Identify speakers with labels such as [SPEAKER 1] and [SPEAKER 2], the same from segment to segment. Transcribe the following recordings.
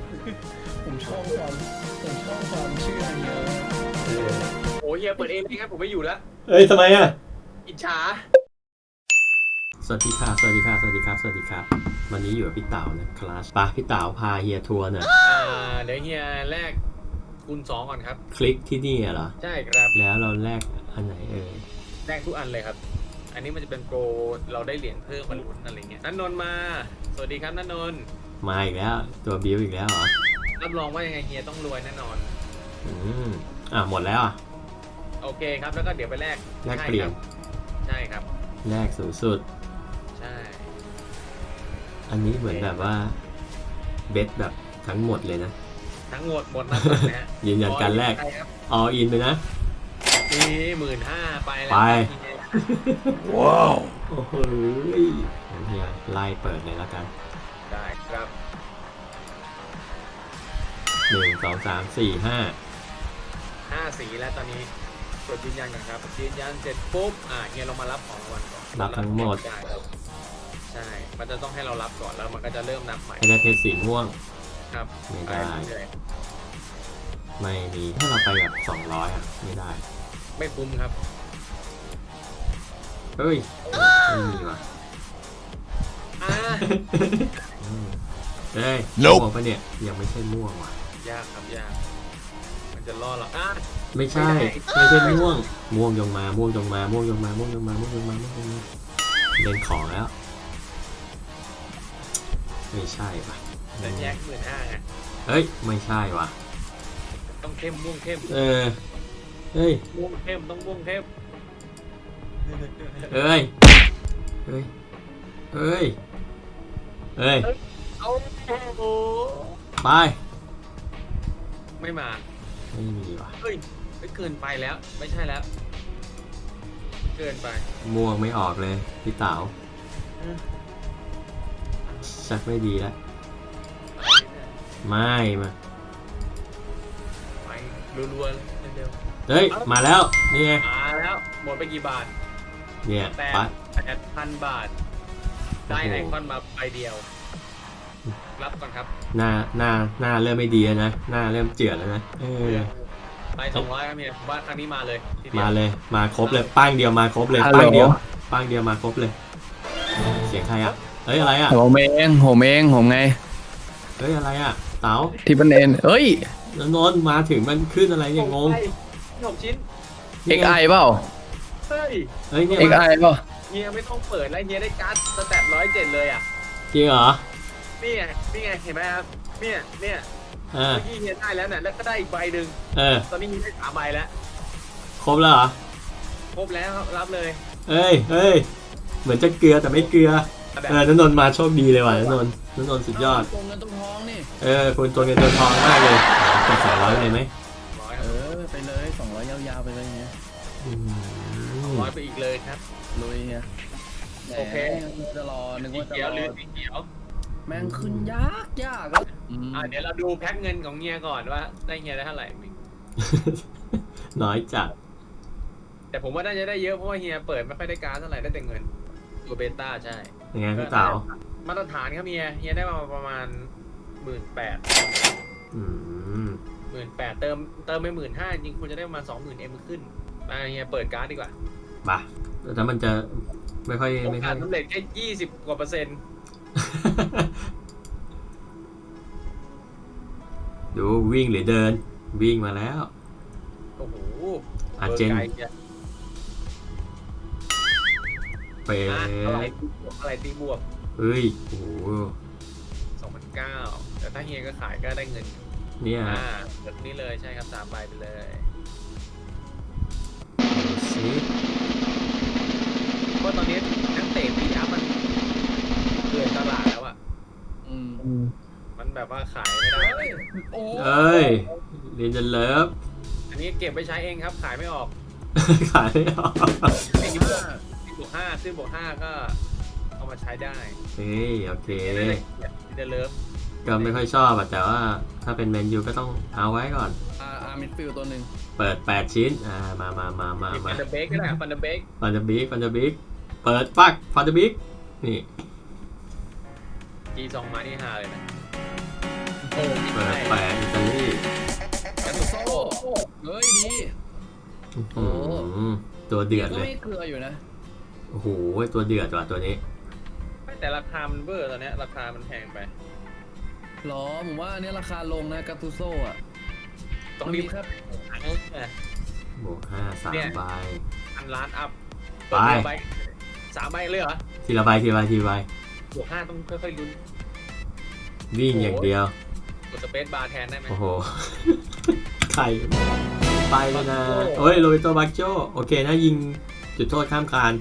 [SPEAKER 1] ผมชอบความเชื่อเยอะ
[SPEAKER 2] โอ้เฮียเปิดเองเลยครับผมไม่อยู่แล้ว
[SPEAKER 3] เอ้ยทำไมอ่ะ
[SPEAKER 2] อิจฉา
[SPEAKER 3] สวัสดีครับ วันนี้อยู่กับพี่เต๋านะครับไปพี่เต๋าพาเฮียทัวร์หน่อย
[SPEAKER 2] เดี๋ยวเฮียแรกคูณ2ก่อนครับ
[SPEAKER 3] คลิกที่นี่เหรอ
[SPEAKER 2] ใช่ครับ
[SPEAKER 3] แล้วเราแลกอันไหน
[SPEAKER 2] แรกทุกอันเลยครับ อันนี้มันจะเป็นโปรเราได้เหรียญเพิ่มมาลุ้นอะไรเงี้ยนันนนท์มาสวัสดีครับนันนนท์
[SPEAKER 3] มาอีกแล้วตัวบิวอีกแล้วเหรอ
[SPEAKER 2] รับรองว่ายังไงเฮียต้องรวยแน่นอน
[SPEAKER 3] หมดแล้วอ่ะ
[SPEAKER 2] โอเคครับแล้วก็เดี๋ยวไปแลก
[SPEAKER 3] เปลี่ยน
[SPEAKER 2] ใช่ครับ
[SPEAKER 3] แลกสูงสุด
[SPEAKER 2] ใช่
[SPEAKER 3] อันนี้เหมือนแบบว่าเบสแบบทั้งหมดเลยนะ
[SPEAKER 2] ทั้งหมดนะฮะ
[SPEAKER 3] ยืนยันการแลก all in ไปนะ
[SPEAKER 2] นี่15,000ไปแล้ว
[SPEAKER 3] ไป
[SPEAKER 2] เฮีย
[SPEAKER 3] ว้าวโอ้โหเฮียไล่เปิดเลยแล้วกัน
[SPEAKER 2] ได้ครับ
[SPEAKER 3] 1 2 3 4 5
[SPEAKER 2] 5 สีแล้วตอนนี้กดยืนยันก่อนครับยืนยันเสร็จปุ๊บเฮียเรามารับของรางวัลก่อน
[SPEAKER 3] รับทั้งหมด
[SPEAKER 2] ได้ครับใช่ มันจะต้องให้เรารับก่อนแล้วมันก็จะเริ่มนับใหม่
[SPEAKER 3] ให้ได้เพชรสีม่วง
[SPEAKER 2] ครับ
[SPEAKER 3] ไม่ได้
[SPEAKER 2] เลย
[SPEAKER 3] ไม่มีถ้าเราไปแบบ200อ่ะไม่ได้
[SPEAKER 2] ไม่คุ้มครับ
[SPEAKER 3] เฮ้ยไม่มีว่ะ
[SPEAKER 2] อ่า
[SPEAKER 3] เฮ้ยม่วงปะเนี่ยยังไม่ใช่ม่วงว่ะ
[SPEAKER 2] ยากครับยาก มันจะล่อเรา
[SPEAKER 3] ไม่ใช่ม่วงยงมาเล่นของแล้วไม่ใช่ว่ะ
[SPEAKER 2] จะแยก15,000ไง
[SPEAKER 3] เฮ้ยไม่ใช่ว่ะ
[SPEAKER 2] ต้องเข้มม่วงเข้ม
[SPEAKER 3] เฮ้ย
[SPEAKER 2] ม่วงเข้มต้องม่วงเข้ม
[SPEAKER 3] เฮ้ย
[SPEAKER 2] เอาโอ้
[SPEAKER 3] ไป
[SPEAKER 2] ไม่มา
[SPEAKER 3] ไม่มีว่ะ
[SPEAKER 2] เฮ้ยไม่เกินไปแล้ว ไม่ใช่แล้ว เกินไป
[SPEAKER 3] ม่วงไม่ออกเลยพี่เต๋าชักไม่ดีแล้วไม่มา
[SPEAKER 2] ไปรัวๆเลยเร็ว
[SPEAKER 3] เฮ้ยมาแล้วนี่ไง
[SPEAKER 2] ๆมาแล้วหมดไปกี่บาท
[SPEAKER 3] เนี่ย
[SPEAKER 2] 8,000 บาท ได้ไอคอนมาใบเดียว รับก่อนครับ
[SPEAKER 3] หน้าเริ่มไม่ดีแล้วนะหน้าเริ่มเจือดแล้วนะ
[SPEAKER 2] ไป200ครับเมียผมว่าครั้งนี้มาเลยทีเดียว
[SPEAKER 3] มาเลยมาครบเลยป้างเดียวมาครบเลยป้างเดียวมาครบเลยเสียงใครอ่ะเฮ้ยอะไรอ่ะ
[SPEAKER 1] ผมเองผมไง
[SPEAKER 3] เฮ้ยอะไรอ่ะเต๋า
[SPEAKER 1] ที่เป็นเอ็นเอ้ย
[SPEAKER 3] นนท์มาถึงมันขึ้นอะไรเนี่ยงง
[SPEAKER 2] 6 ชิ้น
[SPEAKER 1] XI เปล่า
[SPEAKER 2] เฮ้ย
[SPEAKER 3] เฮ้ยเนี่ย
[SPEAKER 1] XI เปล่า
[SPEAKER 2] เฮียไม่ต้องเปิดแล้วเฮียได้การ์ดสแตท107เลยอ่ะ
[SPEAKER 3] จริงเหรอ
[SPEAKER 2] นี่ไงเห็นไหมครับเนี่ย เมื่อกี้เฮียได้แล้วเนี่ยแล้วก็ได้อีกใบหนึ่งตอนนี้เฮียได้3 ใบแล้ว
[SPEAKER 3] ครบแล้วเหรอ
[SPEAKER 2] ครบแล้วครับรับเลย
[SPEAKER 3] เฮ้ยเหมือนจะเกลือแต่ไม่เกลือนนท์มาโชคดีเลยว่ะนนท์สุดยอด
[SPEAKER 1] ตรงเงินตรงทองนี่
[SPEAKER 3] คุณตัวเงินตัวทองมากเลยกด200เลยไหม
[SPEAKER 2] 100ครับ
[SPEAKER 1] ไปเลย200ยาวๆไปเลยเงี้ย
[SPEAKER 2] 100ไปอีกเลยครับ
[SPEAKER 1] ลุยเงี้ย
[SPEAKER 2] โอเค
[SPEAKER 1] จะรอนึก
[SPEAKER 2] สี
[SPEAKER 1] ว่าจะ
[SPEAKER 2] เขียว
[SPEAKER 1] ร
[SPEAKER 2] หรือ
[SPEAKER 1] อ
[SPEAKER 2] สีเขียว
[SPEAKER 1] แม่งขึ้นยากแล้ว
[SPEAKER 2] เดี๋ยวเราดูแพ็คเงินของเฮียก่อนว่าได้เฮียได้เท่าไหร่
[SPEAKER 3] น้อยจัด
[SPEAKER 2] แต่ผมว่าน่าจะได้เยอะเพราะว่าเฮียเปิดไม่ค่อยได้การ์ดเท่าไหร่ได้แต่เงินตัวเบต้าใช่
[SPEAKER 3] ยังไงพี่เต๋า
[SPEAKER 2] มาตรฐานครับเฮียได้มาประมาณ 18,000
[SPEAKER 3] อืม
[SPEAKER 2] 18,000เติมไป 15,000จริงคุณจะได้ประมาณ 20,000 ขึ้นมาเฮียเปิดการ์ดดีกว่า
[SPEAKER 3] ป่ะแต่มันจะไม่ค่อย
[SPEAKER 2] โอกาสสำเร็จแค่20 กว่าเปอร์เซ็นต์
[SPEAKER 3] ดูวิ่งหรือเดินวิ่งมาแล้ว
[SPEAKER 2] โอ้โห
[SPEAKER 3] อาเจน
[SPEAKER 2] เบอร์ไกลเนี่ย
[SPEAKER 3] เป
[SPEAKER 2] อะไรตีบวก
[SPEAKER 3] เฮ้ยโอ้โห
[SPEAKER 2] 2,900แต่ถ้าเฮียก็ขายก็ได้เงิน
[SPEAKER 3] เนี่ย
[SPEAKER 2] แบบนี้เลยใช่ครับ3 ใบไปเลย
[SPEAKER 3] ซิ
[SPEAKER 2] เพราะตอนนี้นักเตะปีอัพมันเกินตลาดแล้วอ่ะมันแบบว่าขายไม่ได้
[SPEAKER 3] เอ้ยเรียนจะเลิฟ
[SPEAKER 2] อันนี้เก็บไปใช้เองครับขายไม่ออก
[SPEAKER 3] ขายไม่ออก
[SPEAKER 2] ขึ้นบวก 5ก็เอามาใช้ได้
[SPEAKER 3] เฮ้ยโอเค
[SPEAKER 2] เดเลิฟ
[SPEAKER 3] ก็ไม่ค่อยชอบอะแต่ว่าถ้าเป็นแมนยูก็ต้องเอาไว้ก่อน
[SPEAKER 1] มิดฟิลตัวหนึ่ง
[SPEAKER 3] เปิด8ชิ้นมา
[SPEAKER 2] ฟันเดอร์เบกก็ได้ฟันเดอร์เบก
[SPEAKER 3] ฟันจะบิ๊กเปิดปักฟันจะบิ๊กนี่
[SPEAKER 2] G2 มานี่ฮาเลยนะ
[SPEAKER 3] เปิด
[SPEAKER 1] เฮ้ยดี
[SPEAKER 3] อืมตัวเดือด
[SPEAKER 1] ก็
[SPEAKER 3] เลย
[SPEAKER 1] ไม่เกลืออยู่นะ
[SPEAKER 3] โอ้โหตัวเดือดว่ะตัวนี้
[SPEAKER 2] แต่ราคามันเบอร์ตอนเนี้ยราคามันแพงไป
[SPEAKER 1] หรอผมว่าอันนี้ราคาลงนะกาตูโซ่อะ
[SPEAKER 2] ต้อง
[SPEAKER 1] มัน
[SPEAKER 2] รี
[SPEAKER 1] มี
[SPEAKER 2] บ
[SPEAKER 1] ครับ
[SPEAKER 3] บวก5 3 ใบ
[SPEAKER 2] 1,000,000,000 อัพ
[SPEAKER 3] ไป
[SPEAKER 2] ใบ3 ใบเลยเหรอ
[SPEAKER 3] ทีละใบทีละใบทีละใบบ
[SPEAKER 2] วก 5ต้องค่อยๆลุ้น
[SPEAKER 3] วิ่งอย่างเดียว
[SPEAKER 2] กดสเปซบาร์แทนได้ไหม
[SPEAKER 3] โอ้โห ไข่ไปเลยนะโอ้ยโรเบโตบักโจโอเคนะยิงจุดโทษข้ามคาน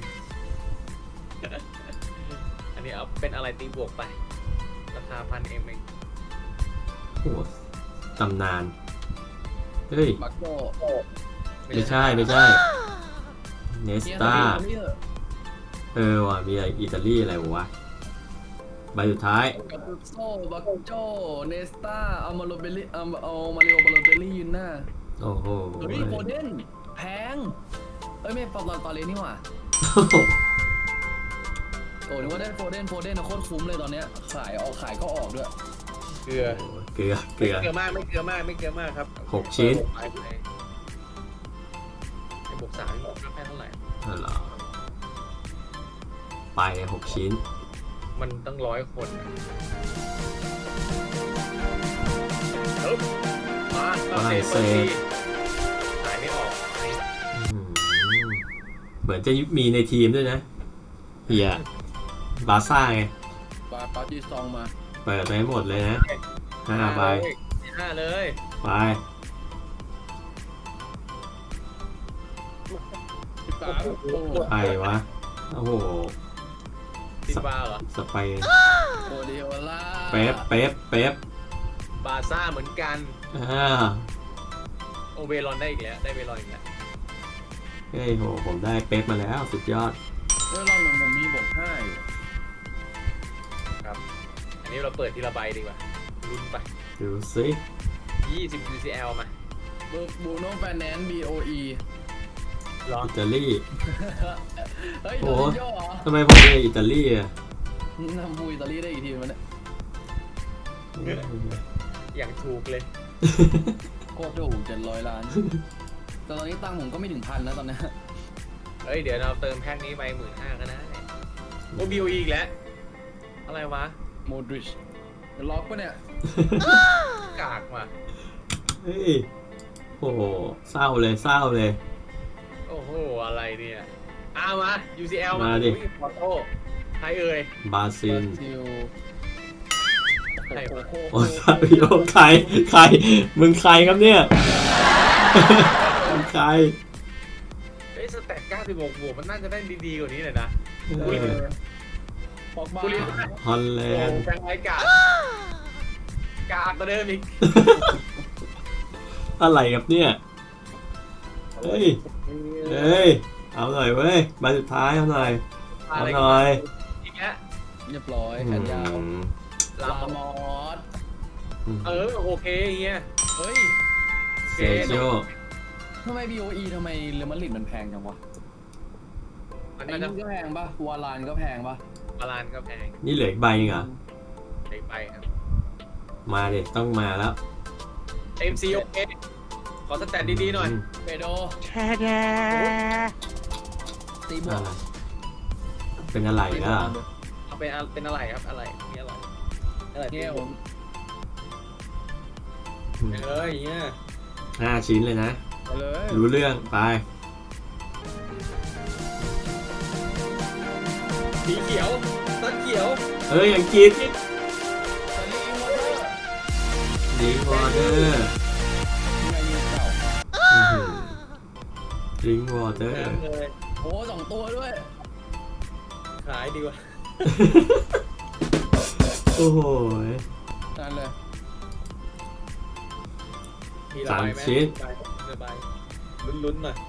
[SPEAKER 2] อันนี้เอาเป็นอะไรตีบวกไป ราคา1,000 เอง
[SPEAKER 3] โอ้โหตำนาน เฮ้ย
[SPEAKER 1] บักโก้
[SPEAKER 3] ไม่ใช่ไม่ใช่ เนสตาว่ะมีอะไรอิตาลีอะไรวะ ใบสุดท้าย
[SPEAKER 1] กาตูโซ่บักโจเนสตาเอามาโรเบลลี่เอามาริโอบาโลเตลลี่ยืนหน้า
[SPEAKER 3] โอ้โห
[SPEAKER 1] เฮ้ยโฟเดนแพงเอ้ยไม่ตอนเลนนี่หว่าโอ้นึกว่าได้โฟเดนนะโคตรคุ้มเลยตอนเนี้ยขายก็ออกด้วย
[SPEAKER 2] เกลือ
[SPEAKER 3] เกลือ
[SPEAKER 2] เกลือมากไม่เกลือมากครับ
[SPEAKER 3] 6 ชิ้น
[SPEAKER 2] ไอ้บวก3นี่บวกแค่เท่าไหร่
[SPEAKER 3] เหรอไป6 ชิ้น
[SPEAKER 2] มันตั้ง100 คนนะปึ๊บมาฝรั่งเศสขายไม่ออก
[SPEAKER 3] อืมเหมือนจะมีในทีมด้วยนะเฮียบาร์ซ่าไง
[SPEAKER 1] ปาจีซองมา
[SPEAKER 3] เปิดไปให้หมดเลยนะ5 ใบ
[SPEAKER 2] 5 เลย
[SPEAKER 3] ไป
[SPEAKER 1] 13
[SPEAKER 3] ไปวะ โอ้โห
[SPEAKER 2] ซินบาเหรอ
[SPEAKER 3] สเปน
[SPEAKER 1] โอเดโอล่า
[SPEAKER 3] เป๊ป
[SPEAKER 2] บาร์ซ่าเหมือนกัน โอเวรอนได้อีกแล้วได้เวรอนอีกแล้ว
[SPEAKER 3] เฮ้ยโหผมได้เป๊ปมาแล้วสุดยอด
[SPEAKER 1] เฮ้ยรอบหนึ่งผมมีบวก5อยู่
[SPEAKER 2] ครับ อันนี้เราเปิดทีละใบดีกว่าลุ้นไป
[SPEAKER 3] ดูสิ
[SPEAKER 2] 20 UCL มา
[SPEAKER 1] บูโน่แฟนแนนซ์ BOE
[SPEAKER 2] หรอ
[SPEAKER 3] อิตาลี
[SPEAKER 1] เฮ้ย
[SPEAKER 3] โอ้
[SPEAKER 1] โด
[SPEAKER 3] โห
[SPEAKER 1] นโย่เหรอ
[SPEAKER 3] ทำไมผมเป็นอิตาลีอ่ะ
[SPEAKER 1] นำบูอิตาลีได้อีกทีมันเนี่ย
[SPEAKER 2] อย่างถูกเลย
[SPEAKER 1] โคตรถูก700 ล้าน แต่ตอนนี้ตังค์ผมก็ไม่ถึง1,000นะตอนนี้
[SPEAKER 2] เฮ้ย เดี๋ยวเราเติมแพ็คนี้ไป15,000ก็ได้โอ BOE อีกแล้ว อะไรวะ
[SPEAKER 1] โมดริชล็อกปะเนี่ย
[SPEAKER 2] กากว่ะ
[SPEAKER 3] เฮ้ยโอ้โหเศร้าเลย
[SPEAKER 2] โอ้โห อะไรเนี่ยมา UCL
[SPEAKER 3] มาดิ
[SPEAKER 2] ขอโทษใครเอ่ย
[SPEAKER 3] บราซิล
[SPEAKER 1] ซิล
[SPEAKER 2] ใครวะ
[SPEAKER 3] โอ้ซาบิโอใครมึงใครครับเนี่ย มึงใคร
[SPEAKER 2] เฮ้ยสแตท96 บวกมันน่าจะได้ดีๆกว่านี้เลยนะ
[SPEAKER 3] เออ
[SPEAKER 1] ปอกบ้า
[SPEAKER 2] กูเรียน
[SPEAKER 3] ฮอลแล
[SPEAKER 2] โอ้
[SPEAKER 3] นด์
[SPEAKER 2] แฟนรายการกากกว่าเดิมอีก
[SPEAKER 3] อะไรครับเนี่ยเฮ้ยเอาหน่อยเว้ยใบสุดท้ายเอาหน่อย เอาหน่อย
[SPEAKER 2] อีกแล้ว
[SPEAKER 1] เรียบร้อยแขนยาว
[SPEAKER 2] ลา
[SPEAKER 1] ลามอส
[SPEAKER 2] โอเคเฮีย
[SPEAKER 1] เฮ้ย
[SPEAKER 3] เซโจ
[SPEAKER 1] ทำไม BOE ทำไมเรอัลมาดริดมันแพงจังวะ
[SPEAKER 2] มัน
[SPEAKER 1] ไอ้
[SPEAKER 2] น่าจะ
[SPEAKER 1] นี่ก็แพงปะวาลานก็แพงปะ
[SPEAKER 2] บาลานก็แพง
[SPEAKER 3] นี่เหลืออีกใบนึงเหรอ
[SPEAKER 2] ไปครับ
[SPEAKER 3] มาดิต้องมาแล้ว
[SPEAKER 2] MC โอเคขอสแตทดีๆหน่อย
[SPEAKER 1] เปโดตีบว
[SPEAKER 3] อะ
[SPEAKER 1] ก
[SPEAKER 3] ไรเป็นอะไรอ่ะ
[SPEAKER 2] เอาเป็นอะไรครับอะไรนี่อะไร
[SPEAKER 1] เนี่ยผม
[SPEAKER 2] เอ้ยเนี่ย
[SPEAKER 3] 5 ชิ้นเลยนะ
[SPEAKER 1] ไปเลย
[SPEAKER 3] รู้เรื่องไป
[SPEAKER 2] สีเขียวต้นเขียว
[SPEAKER 3] เอ้ยอังกฤษ
[SPEAKER 1] ตอนนี้อิงวอเตอร์
[SPEAKER 3] ดิงวอเตอร์
[SPEAKER 1] ไงยูเก่า
[SPEAKER 3] ดิงวอเตอร์
[SPEAKER 2] น้ำเลย
[SPEAKER 1] โอ้2 ตัวด้วย
[SPEAKER 2] ขายดีกว่า
[SPEAKER 3] โอ้โห
[SPEAKER 1] นั่นเลย
[SPEAKER 2] มีระบายไหมระบายลุ้นๆหน่อย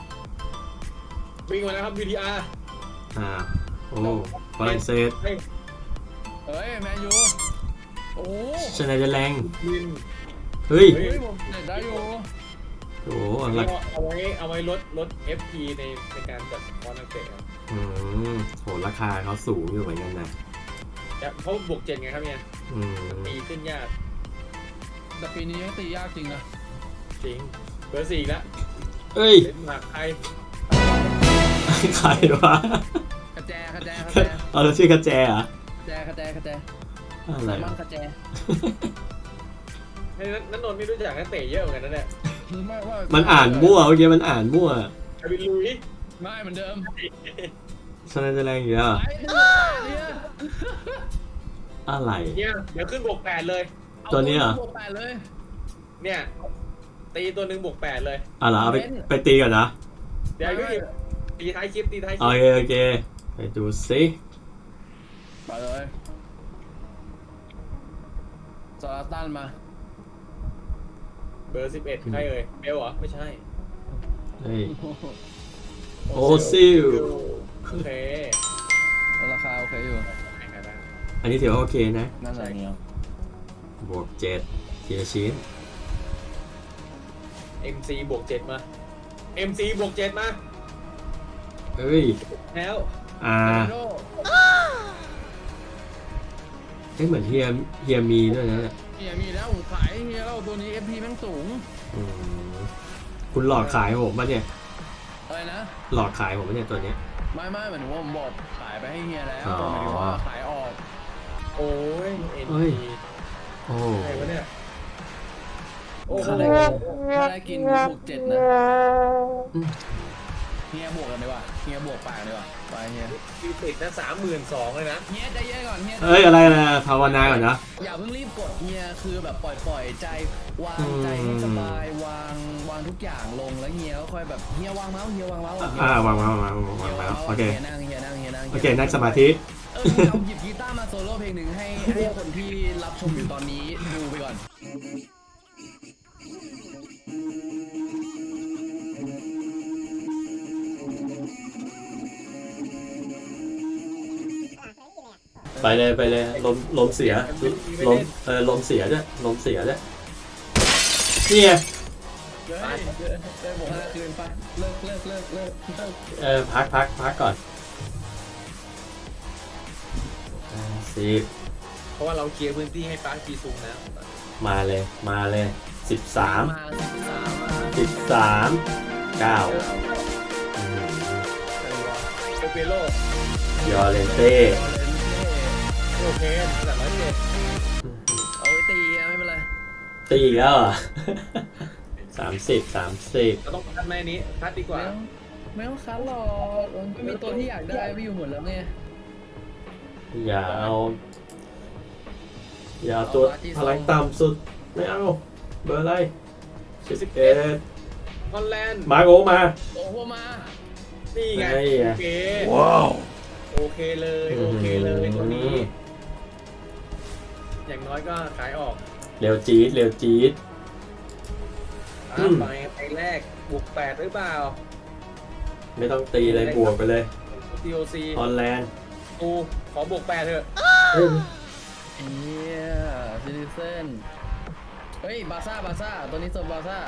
[SPEAKER 2] วิ่งมาแล้วครับ VTR
[SPEAKER 3] โอ้ฝรั่งเศส
[SPEAKER 1] เฮ้ยแมนยูโอ้
[SPEAKER 3] ชนะจะแรง
[SPEAKER 2] วิน
[SPEAKER 3] เฮ้ย
[SPEAKER 1] เฮ้ยผมเด็ดได้อยู่
[SPEAKER 3] โอ้โห
[SPEAKER 2] อัน
[SPEAKER 3] หลั
[SPEAKER 2] นี้
[SPEAKER 3] ก
[SPEAKER 2] เอาไว้ลด FP ในการจัดสปอนนักเตะครับ
[SPEAKER 3] โหราคาเขาสูงอยู่เหมือนกันนะ
[SPEAKER 2] เพราะบวก7ไงครับเนี่ย
[SPEAKER 3] อืม
[SPEAKER 2] ตีขึ้นยาก
[SPEAKER 1] แต่ปีนี้ยังตียากจริงนะ
[SPEAKER 2] จริงเบอร์4แล้ว
[SPEAKER 3] เอ้ย
[SPEAKER 2] เดนมาร์กใคร
[SPEAKER 3] ใครวะ
[SPEAKER 1] กระแจ
[SPEAKER 3] เอาแล้วชื่อกระแจเหรอ
[SPEAKER 1] กระแจ
[SPEAKER 3] อะไร
[SPEAKER 1] มั่
[SPEAKER 3] วะ
[SPEAKER 1] งกระแจ
[SPEAKER 2] ให้นันนนท์นี่รู้จักนักเตะเยอะเหมือนกันนะเนี่ย
[SPEAKER 3] มันอ่านมั่วเมื่อกี้มันอ่านมั่ว
[SPEAKER 2] อาบินลุย
[SPEAKER 1] ไม่เหมือนเดิม
[SPEAKER 3] ชนะจะแรงอยู่แล้ว
[SPEAKER 1] ไปเนี่ย
[SPEAKER 3] อะไร
[SPEAKER 2] เนี่ยเดี๋ยวขึ้นบวก8เลย
[SPEAKER 3] ตัวนี้เหรอ
[SPEAKER 1] บวก8เลย
[SPEAKER 2] เนี่ยตีตัวหนึ่งบวก8เลย
[SPEAKER 3] เหรอเอาไปตีก่อนนะ
[SPEAKER 2] เดี๋ยวตีท้ายคลิปตีท้ายค
[SPEAKER 3] โอ
[SPEAKER 2] ลิป
[SPEAKER 3] เคโอเคไปดูซิ
[SPEAKER 1] ไปเลยซาลาตันมา
[SPEAKER 2] เบอร์11ใครเอ่ยเบลเหรอไม่ใช่
[SPEAKER 3] เฮ้ยโอซิล
[SPEAKER 2] โอเค
[SPEAKER 1] ราคาโอเคอยู่
[SPEAKER 3] อันนี้ถือว่าโอเคนะ
[SPEAKER 1] นั่นแหละเนี่ย
[SPEAKER 3] บวก7ทีละชิ้น
[SPEAKER 2] MC บวก7มา MC บวก7มา
[SPEAKER 3] เฮ้ย
[SPEAKER 2] แล้ว
[SPEAKER 1] โด
[SPEAKER 3] เหมือนเฮียมีด้วยนะ
[SPEAKER 1] เฮียมีแล้วผมขายเฮียเราตัวนี้ FP แม่งสูง
[SPEAKER 3] อืมคุณหลอกขายผมปะเนี่ย
[SPEAKER 1] อะไรนะ
[SPEAKER 3] หลอกขายผมปะเนี่ยตัวเนี้ย
[SPEAKER 1] ไม่เหมือนว่าผมบอกขายไปให้เฮียแล้ว
[SPEAKER 3] อ๋อ
[SPEAKER 1] หมายถึงว่าขายออก
[SPEAKER 2] โอ้ย
[SPEAKER 3] เฮ้ย
[SPEAKER 2] NP
[SPEAKER 3] โอ้
[SPEAKER 2] ใครวะเนี่ยโอ้โห
[SPEAKER 1] ถ้าได้กินบวก7นะ
[SPEAKER 3] อืม
[SPEAKER 1] เฮียบวกกันดีกว่าเฮียบวก8ดีกว่าไปเฮีย
[SPEAKER 2] คิวติดนะ32,000เลยนะ
[SPEAKER 1] เฮียใจเย็นก่อนเฮีย
[SPEAKER 3] เอ้ยอะไรนะภาวนาก่อนนะ
[SPEAKER 1] อย่าเพิ่งรีบกดเฮียคือแบบปล่อยใจวางใจให้สบายวางทุกอย่างลงแล้วเฮียก็ค่อยแบบเฮียวางเมาส์ก่อน
[SPEAKER 3] วางโอเค
[SPEAKER 1] เฮียนั่ง
[SPEAKER 3] โอเคนั่งสมาธิ
[SPEAKER 1] เราหยิบกีตาร์มาโซโล่เพลงหนึ่งให้คนที่รับชมอยู่ตอนนี้ดูไปก่อน
[SPEAKER 3] ไปเลยลมเสียลมเสียด้วยนี่ไง
[SPEAKER 1] ได้บอก5คืนไปเลิก
[SPEAKER 3] พักก่อน10
[SPEAKER 2] เพราะว่าเราเคลียร์พื้นที่ให้ปาร์คจีซุงแล้ว
[SPEAKER 3] มาเลย13
[SPEAKER 1] มา
[SPEAKER 3] 9
[SPEAKER 2] โอเปโร่
[SPEAKER 3] ยอเลนเต้
[SPEAKER 2] โอเคแต่107
[SPEAKER 1] เอาไว้ตีไม่เป็นไร
[SPEAKER 3] ตีอีกแล้วเหรอ 30
[SPEAKER 2] เราต้องคัดแม่นี้คัดดีกว่า
[SPEAKER 1] ไม่ต้องคัดหรอกมันมีตัวที่อยากได้ไปอยู่หมดแล้วไง
[SPEAKER 3] อย่าเอาตัวพลังต่ำสุดไม่เอาเบอร์อะไร11
[SPEAKER 2] ฮอลแลนด์
[SPEAKER 3] มาโอมา
[SPEAKER 1] โอ้โหมา
[SPEAKER 2] นี่ไง
[SPEAKER 3] ไอ้
[SPEAKER 2] โอเค
[SPEAKER 3] ว้าว
[SPEAKER 2] โอเคเลยตัวนี้ อย่างน้อยก็ขายออก
[SPEAKER 3] เร็วจี๊ด
[SPEAKER 2] ไปแรกบวก8หรือเปล่า
[SPEAKER 3] ไม่ต้องตีเลยบวกไปเลย
[SPEAKER 2] TOC
[SPEAKER 3] ฮอลแลนด์
[SPEAKER 2] กูขอบวก8เถอะ
[SPEAKER 1] เฮียซิติเซนเฮ้ยบาซ่าตัวนี้สบาซ่า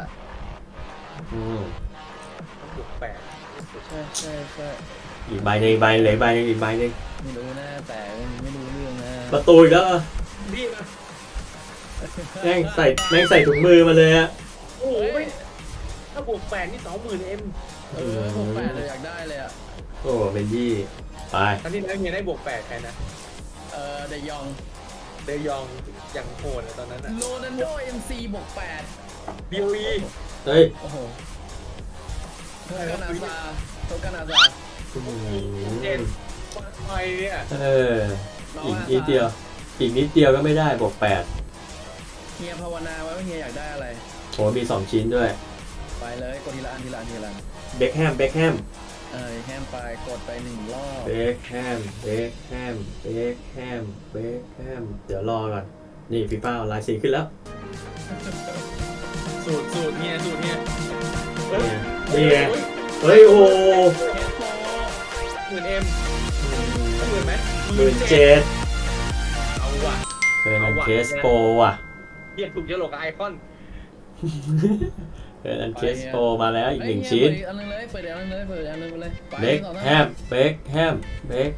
[SPEAKER 2] บวก8
[SPEAKER 1] ใช่
[SPEAKER 3] อีกใบหนึ่งเหลือใบหนึ่งอีกใบหนึ่ง
[SPEAKER 1] ไม่รู้นะแต่ไม่รู้เรื่องนะ
[SPEAKER 3] ประตูอีกแล้วเหรอ
[SPEAKER 2] นี่มา
[SPEAKER 3] แม่งใส่ถุงมือมาเลยอะ
[SPEAKER 2] โอ้ยถ้าบวก8นี่ 20,000 M
[SPEAKER 1] ผมแปดเลยอยากได้เลยอ่ะ
[SPEAKER 3] โอ้เบนยี่ไป
[SPEAKER 2] ครั้งที่แล้วเฮียได้บวก8ใครนะ
[SPEAKER 1] เดยอง
[SPEAKER 2] เดยองอย่างโหดตอนนั้นอะ
[SPEAKER 1] โรนัลโด MC บวก8
[SPEAKER 2] BOE
[SPEAKER 3] เฮ้ย
[SPEAKER 1] โอ้โหโทกานาซา
[SPEAKER 2] เจนมาไทยเนี่ย
[SPEAKER 3] อีกนิดเดียวก็ไม่ได้บวก8
[SPEAKER 1] เฮียภาวนาไว้ว่าเฮียอยากได้อะไร
[SPEAKER 3] โหมี2ชิ้นด้วย
[SPEAKER 1] ไปเลยกดทีละอัน
[SPEAKER 3] เบคแฮม
[SPEAKER 1] แฮมไปกดไป1 รอบ
[SPEAKER 3] เบคแฮมเดี๋ยวรอก่อนนี่ฟีฟ่าลายสีขึ้นแล้ว
[SPEAKER 2] สูตรเฮียเฮ้ย
[SPEAKER 3] นี่ไงเฮ้ยโอ้
[SPEAKER 2] 10,000 M 10,000ไหม
[SPEAKER 3] 17,000
[SPEAKER 2] เอาว่ะ
[SPEAKER 3] เออมันเคสโปรว่ะ
[SPEAKER 2] เฮียถูกจะหลอกไอคอน
[SPEAKER 3] เออมันเคสโปรมาแล้วอีก1ชิ้น
[SPEAKER 1] อันนึงเลยเปิดอันนึงเลย
[SPEAKER 3] เบคแฮม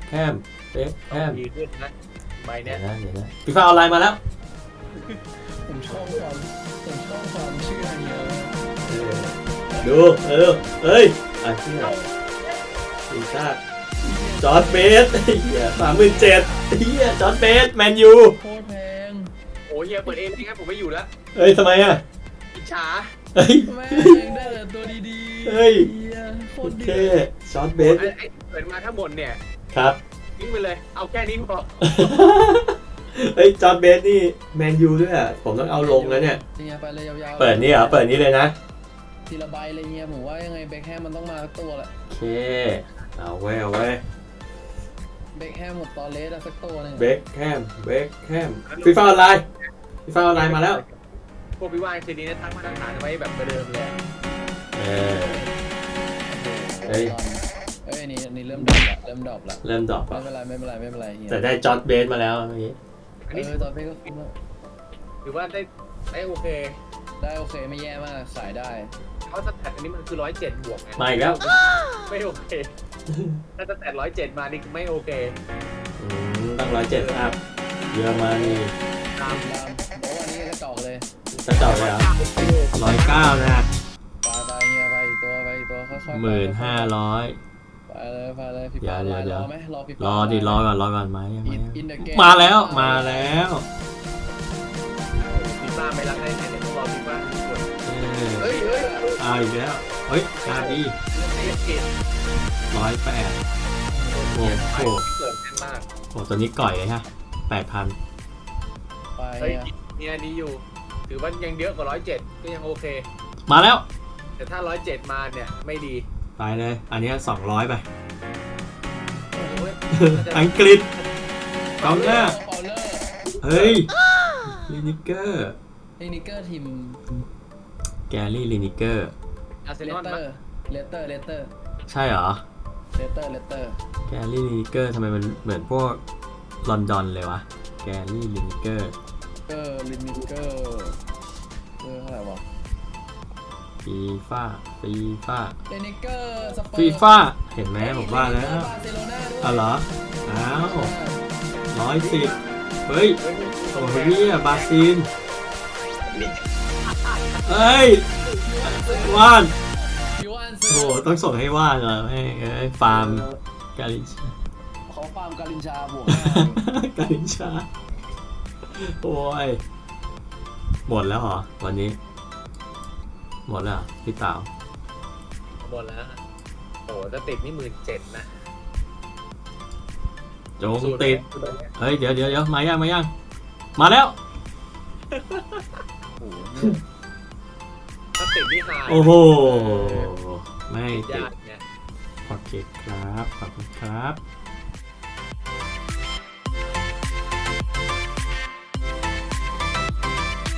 [SPEAKER 2] ดีขึ้นนะใบ
[SPEAKER 3] เดี๋
[SPEAKER 2] เนี้
[SPEAKER 3] ยวย นะฟีฟ่าออนไลน์มาแล้ว
[SPEAKER 1] ผผมชอบความเชื่อเฮีย
[SPEAKER 3] ดูเอ้ยอ่ะเชี่ยทีมชาติจอร์จเบสเฮีย37,000เฮียจอร์จเบสแมนยู
[SPEAKER 1] โคตรแพง
[SPEAKER 2] โอ้เฮียเปิดเองไม่งั้นผมไม่อยู่แล้ว
[SPEAKER 3] เฮ้ยทำไมอ่ะ
[SPEAKER 2] อิจฉา
[SPEAKER 3] เฮ้ย
[SPEAKER 1] แม่งได้แต่ตัวดีๆ
[SPEAKER 3] เฮ้ย
[SPEAKER 1] เฮียโค
[SPEAKER 3] โอ
[SPEAKER 1] ตร
[SPEAKER 3] เค
[SPEAKER 1] ดี
[SPEAKER 3] จอร์จเบส
[SPEAKER 2] ไอ้เปิดมาทั้งหมดเนี่ย
[SPEAKER 3] ครับ
[SPEAKER 2] ทิ้งไปเลยเอาแค่นี้พอ
[SPEAKER 3] เฮ้ยจอร์จเบสนี่แมนยูด้วยอ่ะผมต้องเอาลงแล้วเนี่ย
[SPEAKER 1] เฮียไปเลยยาวๆ
[SPEAKER 3] เปิดนี่เหรอเปิดนี่เลยนะ
[SPEAKER 1] ทีละใบเลยเฮียผมว่ายังไงเบคแฮมมันต้องมาสักตัวแหละ
[SPEAKER 3] โอเคเอาไว้
[SPEAKER 1] เบคแฮมหมดตอนเลสอะสักตัวหนึง
[SPEAKER 3] เบคแฮมฟีฟ่าออนไลน์มาแล้ว
[SPEAKER 2] พวกพี่ว่าคืนนี้ตั้งมาตรฐานไว้แบบเดิมเลย
[SPEAKER 3] เออ เฮ้ย
[SPEAKER 1] เอ้ยนี่เริ่มดรอปละ
[SPEAKER 3] เริ่มดรอป
[SPEAKER 1] ไม่
[SPEAKER 3] อ่ะ
[SPEAKER 1] เป็นไรเฮีย
[SPEAKER 3] แต่ได้จอร์จเบสมาแล้วเมื่อกี้
[SPEAKER 2] อันนี้
[SPEAKER 1] ตอนเบคก็คุ้มแล้ว
[SPEAKER 2] ถือว่าได้โอเค
[SPEAKER 1] ได้โอเคไม่แย่มากขายได้
[SPEAKER 2] เพราะสแตทอันนี้มันคือ107บวกไง
[SPEAKER 3] มาอีกแล้ว
[SPEAKER 2] ไม่โอเคถ้าสแตท107มานี่คือไม่โอเค
[SPEAKER 3] ตั้ง107อัพเยอรมนี
[SPEAKER 2] ตาม
[SPEAKER 1] โอ้วันนี้กระจอกเลย
[SPEAKER 3] จะเจาะเลยเหรอ109นะ
[SPEAKER 1] ไปเฮียไปอีกตัวค่อยๆ
[SPEAKER 3] 1,500
[SPEAKER 1] ไปเลยฟีฟ่า
[SPEAKER 3] เดี๋ยว
[SPEAKER 1] รอไหมรอฟีฟ่าร
[SPEAKER 3] อดิรอก่อนมายัง
[SPEAKER 1] อินเดอะเกม
[SPEAKER 3] มาแล้ว
[SPEAKER 2] ฟีฟ่าไม่รักได้ไงเดี๋ยวต้องรอฟีฟ่าทุกคน
[SPEAKER 3] เออ
[SPEAKER 2] เฮ้ย
[SPEAKER 3] เอาอีกแล้วเฮ้ยชาดี
[SPEAKER 2] ไอ้เกม
[SPEAKER 3] 108 โอ้โห
[SPEAKER 2] เกิดแน่นมาก
[SPEAKER 3] โอ้ตัวนี้ก่อยเลยฮะ 8,000
[SPEAKER 1] ไป
[SPEAKER 2] เฮ้ย
[SPEAKER 1] เฮีย
[SPEAKER 2] เนี่ยนี้อยู่ ถือว่ายังเยอะกว่า107ก็ยังโอเค
[SPEAKER 3] มาแล้ว
[SPEAKER 2] แต่ถ้า107มาเนี่ยไม่ดี
[SPEAKER 3] ไปเลย อันนี้200 ไป
[SPEAKER 2] โอ้ย
[SPEAKER 3] อังกฤษกองหน้า
[SPEAKER 1] เปาเลอร์
[SPEAKER 3] เฮ้ยลินิเกอร์
[SPEAKER 1] เทคนิเกอร์ทีม
[SPEAKER 3] แกรี่ลินิเกอร์
[SPEAKER 2] อาร์เซ
[SPEAKER 1] เล
[SPEAKER 2] นอ
[SPEAKER 1] ส
[SPEAKER 2] ล
[SPEAKER 1] เตอร์เลสเตอร์
[SPEAKER 3] ใช่เหรอ แกรี่ลินิเกอร์ทำไมมันเหมือนพวกลอนดอนเลยวะ แกรี่ลินิเกอร์
[SPEAKER 1] ลินิเกอร์เท่าไหร่วะ
[SPEAKER 3] ฟีฟ่า
[SPEAKER 1] ลินิเกอร์สเปอร์
[SPEAKER 3] ฟีฟ่าเห็นไหมผมว่าแล้ว
[SPEAKER 1] บาร์เซโลนาด้วย
[SPEAKER 3] อ๋อเหรอ อ้าว110 เฮ้ย โอ้ยเนี่ยบราซิลเฮ้ย ว่าน
[SPEAKER 1] ยูอัน
[SPEAKER 3] โอ้โหต้องส่งให้ว่านเหรอให้ฟาร์มกาลินชา
[SPEAKER 1] เขาฟาร์มกาลินชาบวก
[SPEAKER 3] กาลินชา โอ้ย หมดแล้วเหรอ วันนี้ หมดแล้วเหรอพี่เต๋า
[SPEAKER 2] หมดแล้วโอ้ถ้าติดนี่17,000นะ
[SPEAKER 3] จงติด เฮ้ย เดี๋ยวมายัง มาแล้ว
[SPEAKER 2] ถ้าติดนี่หาย
[SPEAKER 3] โอ้โห ไม่
[SPEAKER 2] ติด
[SPEAKER 3] ติด
[SPEAKER 2] ยากเนี่ย
[SPEAKER 3] โอเคครับ ขอบคุณครับ